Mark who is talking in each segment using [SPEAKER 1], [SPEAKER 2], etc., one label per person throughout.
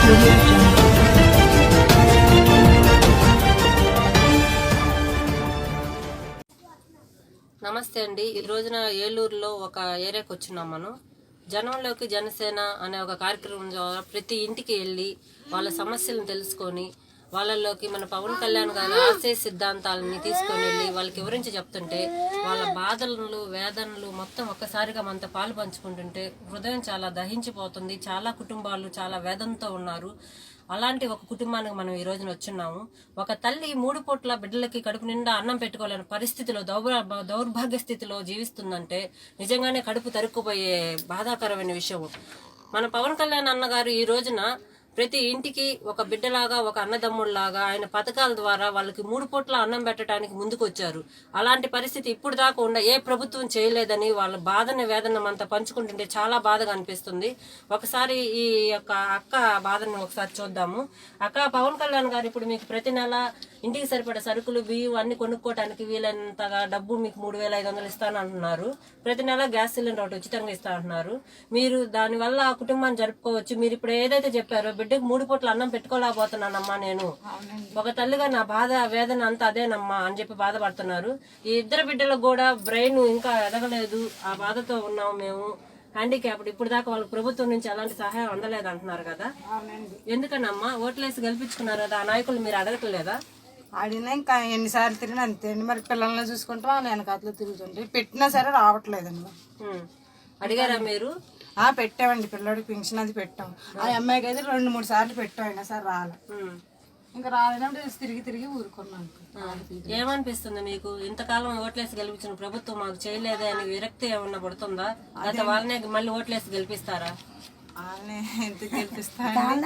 [SPEAKER 1] నమస్తే అండి. ఈ రోజున ఏలూరులో ఒక ఏరియాకి వచ్చినాం. మనం జనంలోకి జనసేన అనే ఒక కార్యక్రమం ద్వారా ప్రతి ఇంటికి వెళ్ళి వాళ్ళ సమస్యలను తెలుసుకొని వాళ్ళలోకి మన పవన్ కళ్యాణ్ గారి ఆశయ సిద్ధాంతాలని తీసుకొని వెళ్ళి వాళ్ళకి వివరించి చెప్తుంటే వాళ్ళ బాధలను వేదనలు మొత్తం ఒక్కసారిగా మనతో పాలు పంచుకుంటుంటే హృదయం చాలా దహించిపోతుంది. చాలా కుటుంబాలు చాలా వేదనతో ఉన్నారు. అలాంటి ఒక కుటుంబానికి మనం ఈ రోజున వచ్చున్నాము. ఒక తల్లి 3 పూట్ల బిడ్డలకి కడుపు నిండా అన్నం పెట్టుకోలేని పరిస్థితిలో దౌర్భాగ్య స్థితిలో జీవిస్తుందంటే నిజంగానే కడుపు తరుక్కుపోయే బాధాకరమైన విషయం. మన పవన్ కళ్యాణ్ అన్నగారు ఈ రోజున ప్రతి ఇంటికి ఒక బిడ్డలాగా ఒక అన్నదమ్ముళ్లాగా ఆయన పథకాల ద్వారా వాళ్ళకి 3 పూట్ల అన్నం పెట్టడానికి ముందుకు వచ్చారు. అలాంటి పరిస్థితి ఇప్పుడు దాకా ఏ ప్రభుత్వం చేయలేదని వాళ్ళ బాధని వేదన అంతా పంచుకుంటుంటే చాలా బాధగా అనిపిస్తుంది. ఒకసారి ఈ యొక్క అక్క బాధని ఒకసారి చూద్దాము. అక్క, పవన్ కళ్యాణ్ గారు ఇప్పుడు మీకు ప్రతి నెల ఇంటికి సరిపడే సరుకులు బియ్యం అన్ని కొనుక్కోవడానికి వీలైనంతగా డబ్బు మీకు 3,500 ఇస్తానంటున్నారు. ప్రతి నెల గ్యాస్ సిలిండర్ ఒకటి ఉచితంగా ఇస్తా అంటున్నారు. మీరు దానివల్ల ఆ కుటుంబాన్ని జరుపుకోవచ్చు. మీరు ఇప్పుడు ఏదైతే చెప్పారో బిడ్డకు 3 పూట్ల అన్నం పెట్టుకోలేకపోతున్నానమ్మా, నేను ఒక తల్లిగా నా బాధ వేదన అంతా అదేనమ్మా అని చెప్పి బాధపడుతున్నారు. ఈ 2 బిడ్డలకు కూడా బ్రెయిన్ ఇంకా ఎదగలేదు, ఆ బాధతో ఉన్నాము మేము. హ్యాండిక్యాప్డ్ ఇప్పుడు దాకా వాళ్ళకి ప్రభుత్వం నుంచి ఎలాంటి సహాయం అందలేదు అంటున్నారు కదా. ఎందుకనమ్మా ఓట్లేసి గెలిపించుకున్నారు కదా, ఆ నాయకులు మీరు అడగట్లేదా?
[SPEAKER 2] ఆడినా ఇంకా ఎన్నిసార్లు తిరిగినా అంతేండి. మరి పిల్లల్ని చూసుకుంటాం నేను కథలో తిరుగుతుంటే పెట్టినా సరే రావట్లేదండి.
[SPEAKER 1] అడిగారా మీరు?
[SPEAKER 2] పెట్టామండి, పిల్లడికి పెన్షన్ అది పెట్టాం. ఆ అమ్మాయికి అయితే 2-3 సార్లు పెట్టాం, అయినా సరే రాలే. ఇంకా రాలేనప్పుడు తిరిగి తిరిగి ఊరుకున్నాను.
[SPEAKER 1] ఏమనిపిస్తుంది మీకు? ఇంతకాలం ఓట్లేసి గెలిపించిన ప్రభుత్వం మాకు చేయలేదే అని విరక్తి ఏమన్నా పడుతుందా? గత వాళ్ళనే మళ్ళీ ఓట్లేసి గెలిపిస్తారా?
[SPEAKER 2] ఎందుకు గెలిపిస్తాను,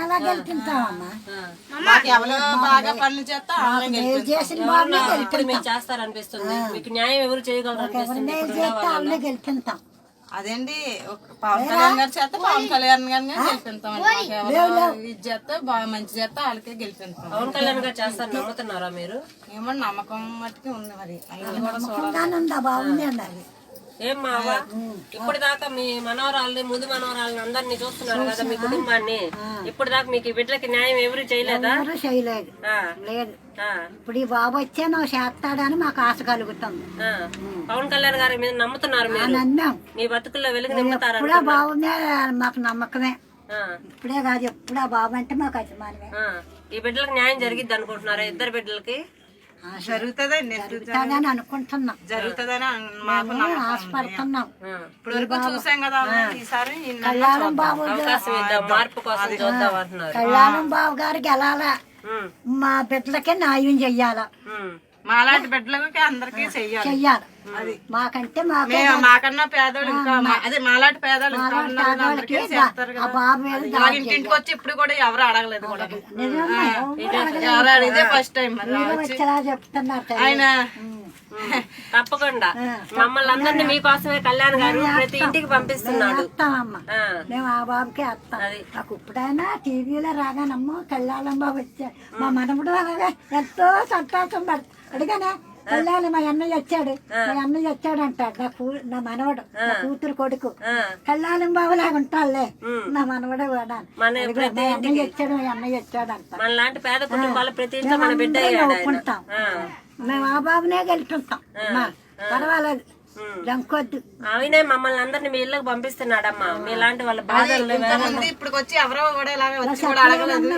[SPEAKER 2] ఎవరు బాగా పనులు చేస్తా
[SPEAKER 1] మీరు చేస్తారనిపిస్తుంది. మీకు న్యాయం ఎవరు చేయగలరు అనిపిస్తుంది?
[SPEAKER 2] అదేండి, పవన్ కళ్యాణ్ గారి చేత పవన్ కళ్యాణ్ గారిని గెలిపిస్తామండి. ఇది చేస్తే బాగా మంచి చేస్తే వాళ్ళకే గెలిపిస్తాం.
[SPEAKER 1] పవన్ కళ్యాణ్ గారు చేస్తారు నమ్ముతున్నారా మీరు?
[SPEAKER 2] ఏమో నమ్మకం మట్టుకి ఉంది. మరి అన్ని కూడా చూడాలి.
[SPEAKER 1] ఏం మావా, ఇప్పుడు దాకా మీ మనవరాలని ముందు మనవరాలని అందరినీ చూస్తున్నారు కదా, మీ కుటుంబాన్ని. ఇప్పుడు దాకా మీకు బిడ్డలకి న్యాయం ఎవరు చేయలేదా?
[SPEAKER 3] చేయలేదు. లేదు. ఇప్పుడు ఈ బాబు వచ్చే నువ్వు చేస్తాడని మాకు ఆశ కలుగుతుంది.
[SPEAKER 1] పవన్ కళ్యాణ్ గారి మీద నమ్ముతున్నారు మీరు?
[SPEAKER 3] నమ్మాం.
[SPEAKER 1] మీ బతుకుల్లో వెలుగు నింపుతారు.
[SPEAKER 3] ఇప్పుడే బాబునే మాకు నమ్మకమే. ఇప్పుడే కాదు, ఎప్పుడు ఆ బాబు అంటే మాకు అభిమానమే.
[SPEAKER 1] ఈ బిడ్డలకు న్యాయం జరిగిద్ది అనుకుంటున్నారా? 2 బిడ్డలకి
[SPEAKER 2] జరుగుతుందని
[SPEAKER 3] అనుకుంటున్నాం.
[SPEAKER 2] జరుగుతుందని
[SPEAKER 3] ఆశపడుతున్నాం.
[SPEAKER 2] ఇప్పుడు చూసాం కదా, ఈసారి
[SPEAKER 3] కళ్యాణం బాబు
[SPEAKER 1] మార్పు కోసం చూద్దాం అంటున్నారు.
[SPEAKER 3] కళ్యాణం బాబు గారు గెలాలా, మా బిడ్డలకే న్యాయం చెయ్యాలా,
[SPEAKER 2] మాలాంటి బిడ్డలకి అందరికి చెయ్యాలి.
[SPEAKER 3] అది మాకంటే
[SPEAKER 2] మాకన్నా పేదోళ్ళు ఇంకా అదే మాలాంటి పేదోళ్ళు ఇంటింటికి వచ్చి ఇప్పుడు కూడా ఎవరు అడగలేదు కూడా. ఎవరు అడిగితే ఫస్ట్ టైం
[SPEAKER 3] చెప్తున్నారు
[SPEAKER 2] ఆయన.
[SPEAKER 1] తప్పకుండా మమ్మల్ని అందరినీ మీకోసమే కళ్యాణ్ గారు ప్రతి ఇంటికి పంపిస్తున్నాడు.
[SPEAKER 3] మేము ఆ బాబుకి వస్తాం. నాకు ఇప్పుడైనా టీవీలో రాగానమ్మా కళ్యాణం బాబు వచ్చా, మా మనముడు ఎంతో సంతోషం పడుతుంది. అడిగానా కళ్యాణం మా అన్నయ్య వచ్చాడు అంటాడు. నా మనవడు, నా కూతురు కొడుకు కళ్యాణం బాబు లాగా ఉంటాడులే, నా మనవడే కూడా అన్నయ్య వచ్చాడు మా అన్నయ్య వచ్చాడు అంటాం.
[SPEAKER 1] మనలాంటి పేద కుటుంబాలు ప్రతి ఇంట్లో మన బిడ్డ
[SPEAKER 3] ఒప్పుకుంటాం. మేము ఆ బాబునే గెలుచుంటాం, పర్వాలేదు, దంకొద్దు.
[SPEAKER 1] ఆయనే మమ్మల్ని అందరినీ మీ ఇళ్ళకి పంపిస్తున్నాడమ్మా. మీలాంటి వాళ్ళ బాధలు
[SPEAKER 2] ఇప్పుడు వచ్చి ఎవరో కూడా అడగలేదు.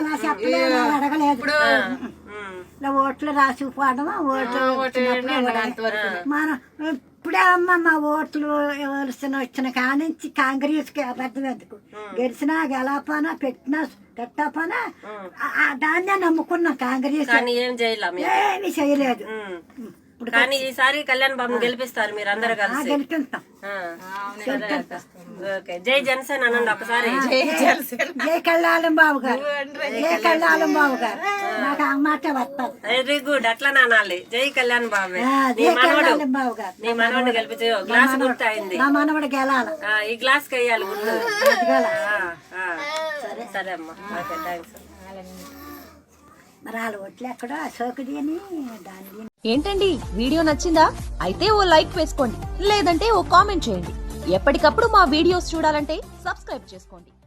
[SPEAKER 3] ఓట్లు రాసిపోవడమా, ఓట్లు మనం ఇప్పుడే అమ్మ మా ఓట్లు వచ్చిన కానించి కాంగ్రెస్కి అబద్ధం ఎందుకు, గెలిచినా గెలపనా పెట్టపనా దాన్నే నమ్ముకున్నాం. కాంగ్రెస్ ఏమి చేయలేదు.
[SPEAKER 1] కానీ ఈసారి కళ్యాణ్ బాబుని గెలిపిస్తారు మీరు అందరు కలిసి?
[SPEAKER 3] గెలిపిస్తాం.
[SPEAKER 1] జై జనసేన అనండి ఒకసారి.
[SPEAKER 3] జై కళ్యాణం బాబు గారు, జై కళ్యాణం బాబు గారు. నాకు ఆ మాట వస్తుంది.
[SPEAKER 1] వెరీ గుడ్, అట్లా నానాలి. జై కళ్యాణ్ బాబు.
[SPEAKER 3] బాబు గారు
[SPEAKER 1] నీ మనవడు గెలిపించే గ్లాస్ గుర్తు అయింది.
[SPEAKER 3] నా మనవడు గెలాలి,
[SPEAKER 1] ఈ గ్లాస్ కి వేయాలి గుర్తు. సరే అమ్మా, ఓకే, థ్యాంక్స్.
[SPEAKER 3] మరి వాళ్ళ ఓట్లు ఎక్కడో అశోకుడి అని దాని.
[SPEAKER 4] ఏంటండి వీడియో నచ్చిందా? అయితే ఓ లైక్ వేసుకోండి, లేదంటే ఓ కామెంట్ చేయండి. ఎప్పటికప్పుడు మా వీడియోస్ చూడాలంటే సబ్స్క్రైబ్ చేసుకోండి.